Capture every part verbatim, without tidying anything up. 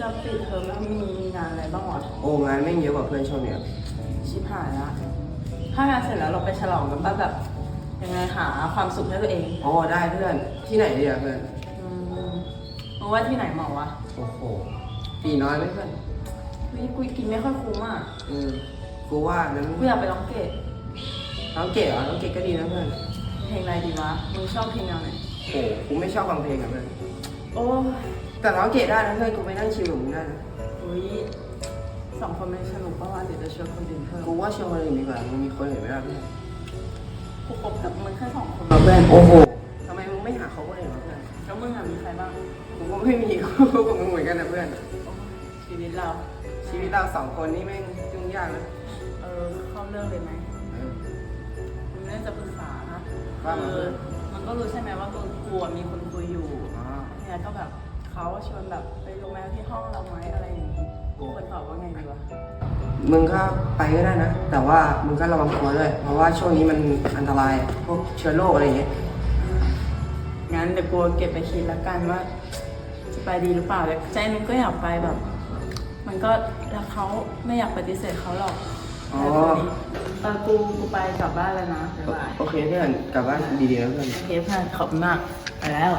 จะปิดเทอมแล้วมีมีงานอะไรบ้างวะโอ้งานแม่งเยอะกว่าเพื่อนช่วงเนี้ยชิบหายละถ้างานเสร็จแล้วเราไปฉลองกันป่ะแบบยังไงหาความสุขให้ตัวเองโอ้ได้เพื่อนที่ไหนดีอะเพื่อนอืมมึงว่าที่ไหนเหมาะวะโอ้โหปีน้อยไหมเพื่อนวิกูกินไม่ค่อยคุ้มอ่ะอืมกูว่านั้นกูอยากไปร้องเกตร้องเกตเหรอร้องเกตก็ดีนะเพื่อนเพลงอะไรดีวะมึงชอบเพลงแนวไหนโอ้กูไม่ชอบฟังเพลงอะเพื่อนโอ้แต่ร้องเกตได้นะเพื่อนกูไปนั่งชิลกับมึงได้นะอุ้ยสองคนไม่สนุกป่ะวะเดี๋ยวจะชวนคนอื่นเพิ่มกูว่าชวนคนอื่นดีกว่ามึงมีคนอื่นไหมล่ะเพื่อนกูคบกับมึงแค่สองคนเพื่อนโอ้โหทำไมมึงไม่หาเขาคนอื่นวะเพื่อนแล้วมึงอะมีใครบ้างกูก็ไม่มีกูกับมึงเหมือนกันนะเพื่อนชีวิตเราชีวิตเราสองคนนี่แม่งยุ่งยากนะเออเข้าเรื่องเลยไหมมึงเรื่องจะปรึกษานะว่ามามันก็รู้ใช่ไหมว่ากูกลัวมีคนคุยอยู่เนี่ยก็แบบเขาชวนแบบไปโรงแรมที่ห้องเราไหมอะไรอย่างนี้กูควรตอบว่าไงดีวะมึงก็ไปก็ได้นะแต่ว่ามึงก็ระวังตัวด้วยเพราะว่าช่วงนี้มันอันตรายพวกเชื้อโรคอะไรอย่างเงี้ยงั้นเดี๋ยวกูเก็บไปคิดแล้วกันว่าจะไปดีหรือเปล่าแต่ใจนึงก็อยากไปแบบมันก็รักเขาไม่อยากปฏิเสธเขาหรอกอ๋อเออกูกูไปกลับบ้านแล้วนะบ๊ายบายโอเคเพื่อนกลับบ้านดีๆนะเพื่อนโอเคเพื่อนขอบคุณมากไปแล้ว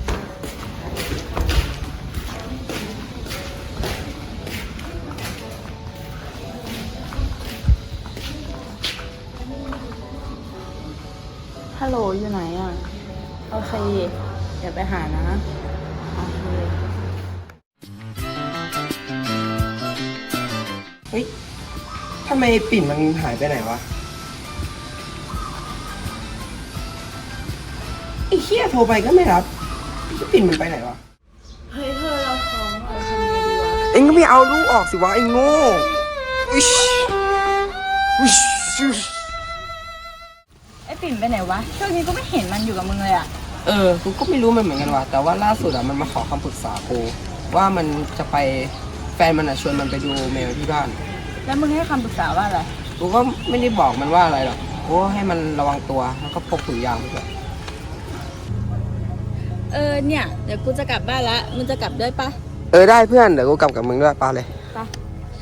ฮัลโหลอยู่ไหนอ่ะโอเคเดี๋ยวไปหานะโอเคเฮ้ยทำไมปิ่นมันหายไปไหนวะไอ้เหี้ยโทรไปก็ไม่รับไอ้ปิ่นมันไปไหนวะเฮ้ยเธอเราท้องเราทำไงดีวะเอ็งก็ไม่เอาลูกออกสิวะไอ้โง่อิชอิชไอ้ปิ่นไปไหนวะช่วงนี้ก็ไม่เห็นมันอยู่กับมึงเลยอ่ะเออกูก็ไม่รู้มันเหมือนกันว่ะแต่ว่าล่าสุดอ่ะมันมาขอคำปรึกษากูว่ามันจะไปแฟนมันอ่ะชวนมันไปดูแมวที่บ้านแล้วมึงให้คำปรึกษาว่าอะไรกูก็ไม่ได้บอกมันว่าอะไรหรอกกูให้มันระวังตัวแล้วก็พกถุงยางด้วยเออเนี่ยเดี๋ยวกูจะกลับบ้านละมึงจะกลับด้วยปะเออได้เพื่อนเดี๋ยวกูกลับกับมึงด้วยปาเลยปะ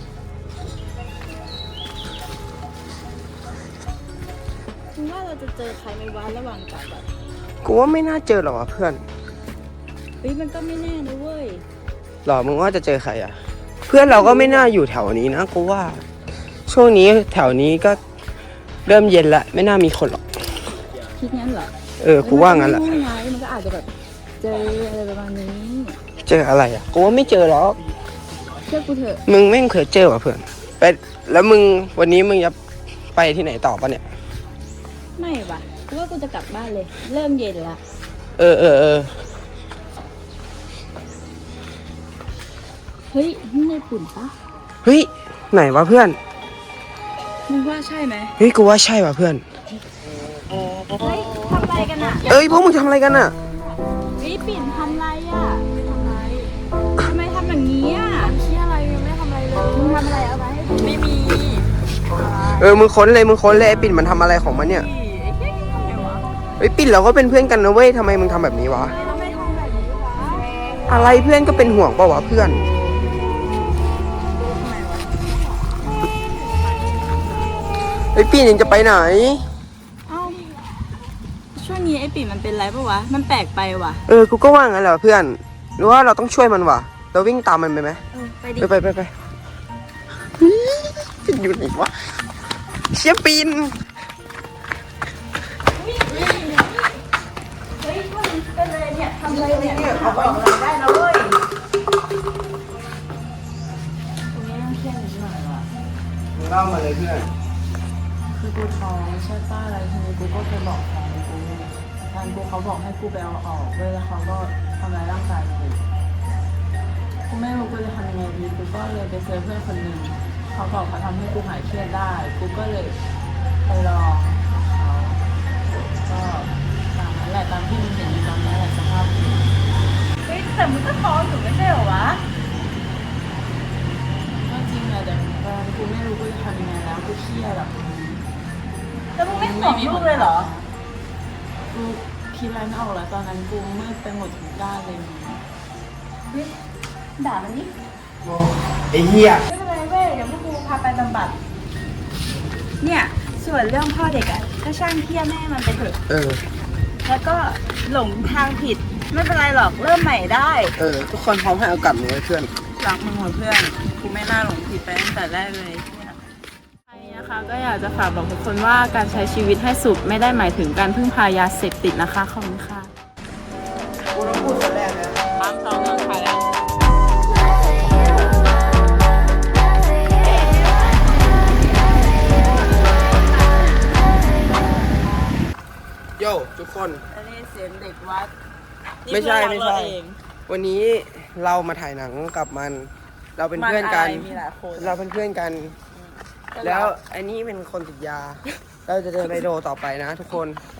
มึงว่าเราจะเจอใครในวันระหว่างกลับแบบกูว่าไม่น่าเจอหรอกเพื่อนเฮ้ยมันก็ไม่แน่นะเว้ยหรอมึงว่าจะเจอใครอ่ะเพื่อนเราก็ไม่น่าอยู่แถวนี้นะกูว่าช่วงนี้แถวนี้ก็เริ่มเย็นละไม่น่ามีคนหรอกคิดงั้นเหรอเออกูว่างั้นแหละมันก็อาจจะแบบเจออะไรประมาณนี้เจออะไรอ่ะกูว่าไม่เจอหรอกเชื่อกูเถอะมึงไม่เคยเจอว่ะเพื่อนไปแล้วมึงวันนี้มึงจะไปที่ไหนต่อปะเนี่ยไม่ว่ะกูว่ากูจะกลับบ้านเลยเริ่มเย็นละเออเออเออเฮ้ยนี่ในปุ่นปะเฮ้ยไหนวะเพื่อนมึงว่าใช่ไหมเฮ้ยกูว่าใช่ว่ะเพื่อนเฮ้ยทำอะไรกันอ่ะเอ้ยพวกมึงทำอะไรกันอ่ะเฮ้ยปิ่นทำอะไรอ่ะทำอะไรทำไมทำอย่างนี้อ่ะเชี่ยอะไรยังไม่ทำอะไรเลยมึงทำอะไรเอาไว้ไม่มีเออมึงค้นเลยมึงค้นเลยไอ้ปิ่นมันทำอะไรของมันเนี่ยเฮ้ยปิ่นเราก็เป็นเพื่อนกันนะเว้ยทำไมมึงทำแบบนี้วะอะไรเพื่อนก็เป็นห่วงป่าววะเพื่อนไอ้ปิ่นยังจะไปไหนเอ้าช่วงนี้ไอ้ปิ่นมันเป็นไรปะวะมันแปลกไปว่ะเออกูก็ว่างั้นแหละเพื่อนหรือว่าเราต้องช่วยมันวะเราวิ่งตามมันไปไหมเออไปดิไปไปไปปิ่นอยู่ไหนวะเชี่ยปิ่นเฮ้ยมันเป็นอะไรเนี่ยทำอะไรเนี่ยเอาไปอะไรได้แล้วเว้ยตรงนี้ต้องเครียดนิดหน่อยว่ะมึงเล่ามาเลยเพื่อนคือกูท้องใช่ป้าอะไรทีนี้กูก็เคยบอกแฟนกูแฟนกูเขาบอกให้กูไปเอาออกด้วยแล้วเขาก็ทำร้ายร่างกายกูกูไม่รู้กูจะทำยังไงดีกูก็เลยไปเจอเพื่อนคนหนึ่งเขาบอกเขาทำให้กูหายเครียดได้กูก็เลยไปลองเขาก็ตามนั้นแหละตามที่มึงเห็นอยู่ตอนนั้นแหละสภาพเฮ้ยแต่มึงก็ท้องอยู่ไม่ใช่เหรอวะก็จริงแหละแต่ตอนกูไม่รู้กูจะทำยังไงแล้วกูเครียดแบบแล้วมึงไม่ห่วงลูกเลยเหรอกูคิดอะไรไม่ออกแล้วตอนนั้นกูมืดไปหมดทุกด้านเลยเฮ้ยด่ามันดิไอ้เหี้ยไม่เป็นไรเว้ยเดี๋ยวพวกกูพาไปบำบัดเนี่ยส่วนเรื่องพ่อเด็กอ่ะก็ช่างเที่ยแม่มันไปเถอะเออแล้วก็หลงทางผิดไม่เป็นไรหรอกเริ่มใหม่ได้เออ ทุกคนพร้อมให้โอกาสมึงไว้เพื่อนรักมึงเหมือนเพื่อนกูไม่น่าหลงผิดไปตั้งแต่แรกเลยใครนะคะก็อยากจะฝากบอกทุกคนว่าการใช้ชีวิตให้สุขไม่ได้หมายถึงการพึ่งพายาเสพติดนะคะขอบคุณค่ะกูต้องพูดคนแรกนะตามสองเงินค่ะแล้วโย่ทุกคนอันนี้เสียงเด็กวัดไม่ใช่ไม่ใช่นี่เพื่อนเราเองวันนี้เรามาถ่ายหนังกับมัน เราเป็นเพื่อนกันมัะไรมีหลายคนเราเป็นเพื่อนกัน แล้วไอ้นี่เป็นคนติดยา เราจะเดินไปโดต่อไปนะทุกคน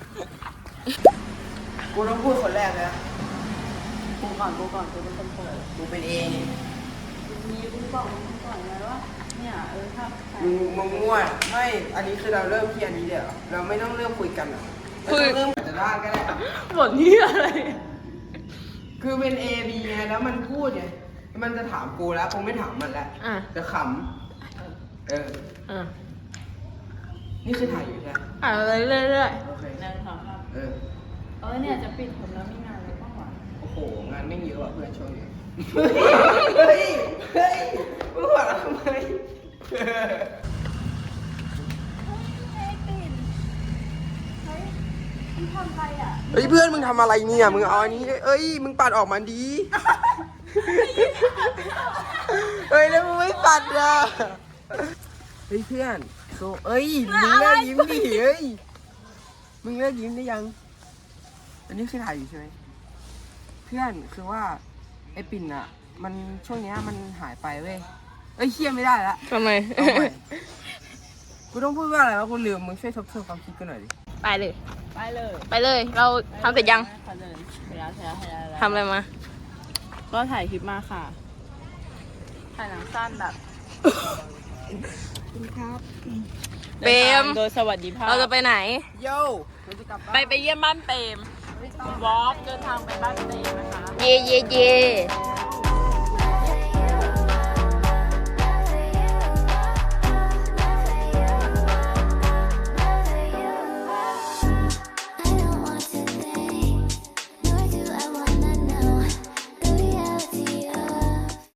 กูต้องพูดคนแรกนะกูก่อนกูก่อนกูเป็นคนเปิดกูเป็นเอมีกูบอกมึงก่อนไงว่าเนี่ยเออถ้าใครมึงมึงมั่วไม่ อันนี้คือเราเริ่มที่อันนี้เดี๋ยวเราไม่ต้องเริ่มคุยกันอะไม่ต้องเริ่มจะได้ก็ได้บทนี้อะไรคือเป็น A B ไงแล้วมันพูดไงมันจะถามกูแล้วคงไม่ถามมันแล้วอ่ะจะขำเอออ่ะนี่คือถ่ายอยู่ใช่ไหมอ่ะเรื่อยๆโอเคหนึ่งสองสามเออเออเนี่ยจะปิดผมแล้วมีงานอะไรบ้างวะโอ้โห งานไม่เยอะอ่ะเพื่อนช่วงนี้ เฮ้ย เฮ้ยมึงหัวเราะทำไมทำไรอ่ะเฮ้ยเพื่อนมึงทำอะไรเนี่ย มึงเอาอันนี้เอ้ย มึงปัดออกมาดี เฮ้ยแล้วมึงไม่ปัดอ่ะ เฮ้ยเพื่อนโซเอ้ย มึงเลิกยิ้มดิเฮ้ย มึงเลิกยิ้มได้ยัง อันนี้คือถ่ายอยู่ใช่ไหม เพื่อนคือว่าไอ้ปิ่นอะมันช่วงเนี้ยมันหายไปเว้ย เอ้ยเคี่ยไม่ได้ละทำไมเอาใหม่กูต้องพูดว่าอะไรวะกูลืมมึงช่วยทบทวนความคิดกูหน่อยดิไปเลยไปเลยไปเลย เราทำเสร็จยังทำเลยเสร็จแล้วเสร็จแล้วเสร็จแล้วทำอะไรมาก็ถ่ายคลิปมาค่ะ ถ่ายหนังสั้นแบบเปรมโดยสวัสดิภาพเราจะไปไหนโย่เราจะกลับบ้านไปไปเยี่ยมบ้านเปรมวอล์กเดินทางไปบ้านเปรมนะคะเย่เย่เย่ใช่